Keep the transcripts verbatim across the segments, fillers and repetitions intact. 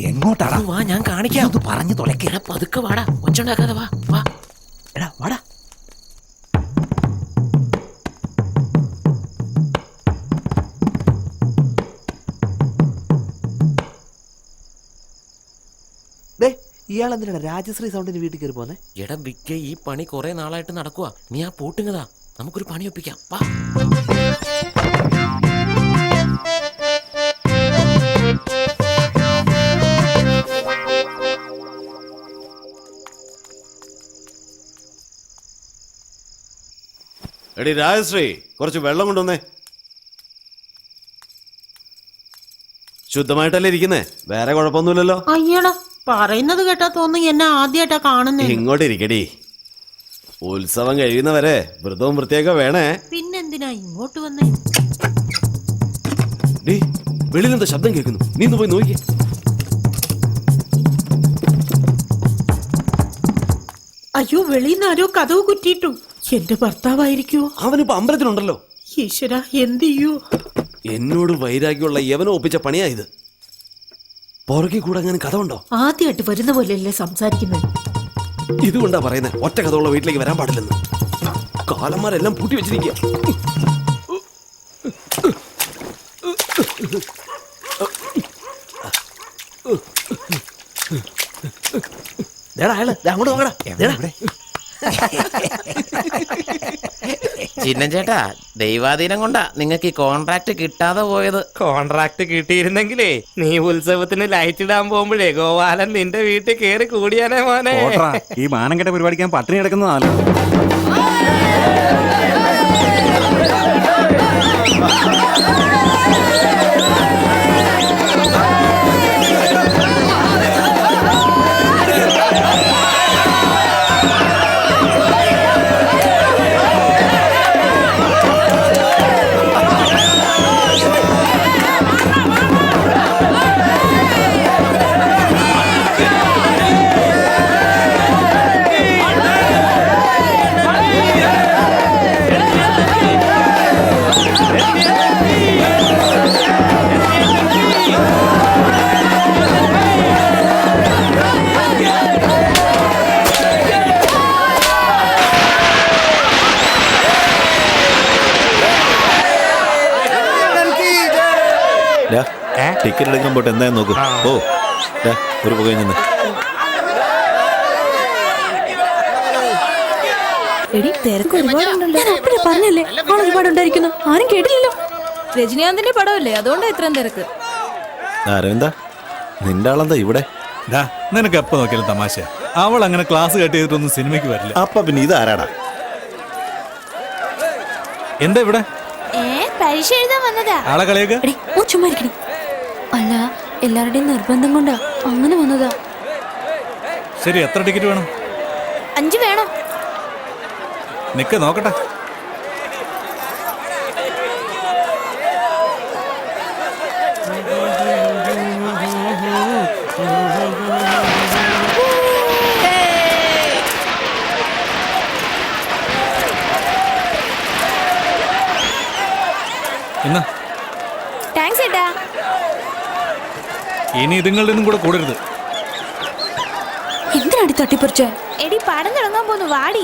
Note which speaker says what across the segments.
Speaker 1: എങ്ങോട്ടാടാ?
Speaker 2: വാ, ഞാൻ കാണിക്കാം.
Speaker 1: അത് പറഞ്ഞു തുലക്കേ.
Speaker 2: പതുക്കെ വാടാ, ഒച്ചുണ്ടാക്കാതെ വാ വാ.
Speaker 1: എടാ വാടാ. ഇയാൾ എന്തിനാണ് രാജശ്രീ സൗണ്ടിന് വീട്ടിൽ കയറി പോന്നെ?
Speaker 2: എടാ ബിക്കെ, ഈ പണി കുറെ നാളായിട്ട് നടക്കുക. നീ ആ പൂട്ടുങ്ങതാ, നമുക്കൊരു പണി ഒപ്പിക്കാം. വാ.
Speaker 3: എടി രാജശ്രീ, കുറച്ച് വെള്ളം കൊണ്ടുവന്നേ. ശുദ്ധമായിട്ടല്ലേ ഇരിക്കുന്നേ? വേറെ കുഴപ്പമൊന്നുമില്ലല്ലോ.
Speaker 4: അയ്യടാ, പറയുന്നത് കേട്ടാ തോന്നുന്നു എന്നെ ആദ്യമായിട്ടാ കാണുന്നേ.
Speaker 3: ഇങ്ങോട്ട് ഇരിക്കടി. ഉത്സവം കഴിയുന്നവരെ വ്രതവും വൃത്തിയൊക്കെ വേണേ.
Speaker 4: പിന്നെന്തിനാ ഇങ്ങോട്ട് വന്നേ?
Speaker 3: ഡി, വെളിയിലെന്താ ശബ്ദം കേൾക്കുന്നു? നീ ഒന്ന് പോയി നോക്കിയേ.
Speaker 4: അയ്യോ, വെളിയിൽ ആരോ കതവ് കുറ്റിയിട്ടു. എന്റെ ഭർത്താവായിരിക്കോ?
Speaker 3: അവനിപ്പോ അമ്പലത്തിലുണ്ടല്ലോ.
Speaker 4: ഈശ്വര, എന്ത് ചെയ്യൂ?
Speaker 3: എന്നോട് വൈരാഗ്യമുള്ള യവനെ ഒപ്പിച്ച പണിയായത്. പുറകെ കൂടെ അങ്ങനെ കഥ ഉണ്ടോ?
Speaker 4: ആദ്യമായിട്ട് വരുന്ന പോലെയല്ലേ സംസാരിക്കുന്നത്.
Speaker 3: ഇതുകൊണ്ടാ പറയുന്നത് ഒറ്റ കഥയുള്ള വീട്ടിലേക്ക് വരാൻ പാടില്ലെന്ന്. കാലന്മാരെല്ലാം പൂട്ടി വെച്ചിരിക്കുക.
Speaker 1: അങ്ങോട്ട് നോക്കടാ.
Speaker 2: ചിന്നം ചേട്ടാ, ദൈവാധീനം കൊണ്ടാ നിങ്ങൾക്ക് ഈ കോൺട്രാക്ട് കിട്ടാതെ പോയത്.
Speaker 5: കോൺട്രാക്ട് കിട്ടിയിരുന്നെങ്കിലേ നീ ഉത്സവത്തിന് ലൈറ്റ് ഇടാൻ പോകുമ്പോഴേ ഗോപാലൻ നിന്റെ വീട്ടിൽ കേറി കൂടിയാനേ മോനെ.
Speaker 6: ഈ മാനം കെട്ട പരിപാടിക്ക് ഞാൻ പട്ടിണി കിടക്കുന്നതാണ്.
Speaker 7: ടിക്കറ്റ് എടുക്കാൻ പോട്ടെ, എന്തായാലും നോക്കും. ഓ ഒരു പുകയിൽ നിന്ന്
Speaker 8: പറഞ്ഞല്ലേ ഒരുപാടുണ്ടായിരിക്കുന്നു. ആരും കേട്ടില്ലല്ലോ. രജനീകാന്തിന്റെ പടമല്ലേ, അതുകൊണ്ടാ ഇത്രയും തിരക്ക്.
Speaker 7: അരവിന്ദ, നിന്റെ ആളെന്താ ഇവിടെ?
Speaker 6: നിനക്ക് എപ്പോ നോക്കിയാലും തമാശ. അവൾ അങ്ങനെ ക്ലാസ് കട്ട് ചെയ്തിട്ടൊന്നും സിനിമയ്ക്ക് വരില്ല.
Speaker 7: അപ്പ പിന്നെ ഇത് ആരാടാ?
Speaker 6: എന്താ ഇവിടെ?
Speaker 8: പരീക്ഷ എഴുതാൻ വന്നതാ.
Speaker 6: ആളെ കളിയൊക്കെ
Speaker 8: ചുമ്മാരിക്കണി. അല്ല, എല്ലാവരുടെയും നിർബന്ധം കൊണ്ടാ അങ്ങനെ വന്നതാ.
Speaker 6: ശരി, എത്ര ടിക്കറ്റ് വേണം?
Speaker 8: അഞ്ചു വേണം.
Speaker 6: നിക്ക് നോക്കട്ടെ. എന്നാ
Speaker 8: താങ്ക്സ് ഏട്ടാ.
Speaker 6: ഇനി ഇതുങ്ങളുടെ ഒന്നും കൂടെ കൂടരുത്.
Speaker 8: എന്തിനാടി തട്ടിപ്പറിച്ച?
Speaker 9: എടി, പടം തുടങ്ങാൻ പോന്നു, വാടി.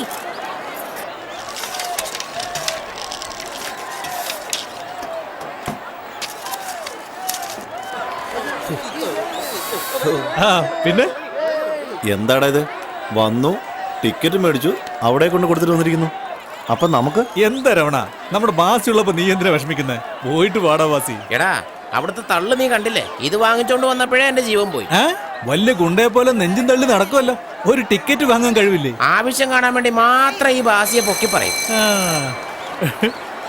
Speaker 6: ആ പിന്നെ
Speaker 7: എന്താടാ ഇത്? വന്നു, ടിക്കറ്റ് മേടിച്ചു, അവിടെ കൊണ്ട് കൊടുത്തിട്ട് വന്നിരിക്കുന്നു. അപ്പൊ നമുക്ക്
Speaker 6: എന്താ രമണ, നമ്മുടെ ബാസി ഉള്ളപ്പോ നീ എന്തിനാ വിഷമിക്കുന്നേ? പോയിട്ട് പാടാ ബാസി.
Speaker 2: എടാ, അവിടുത്തെ തള്ളു നീ കണ്ടില്ലേ? ഇത് വാങ്ങിച്ചോണ്ട് വന്നപ്പോഴേ എന്റെ ജീവൻ പോയി.
Speaker 6: വലിയ ഗുണ്ടയെ പോലെ നെഞ്ചും തള്ളി നടക്കുമല്ലോ. ഒരു ടിക്കറ്റ് വാങ്ങാൻ കഴിവില്ലേ?
Speaker 2: ആവശ്യം കാണാൻ വേണ്ടി മാത്രം ഈ ബാസിയെ പൊക്കി പറയും.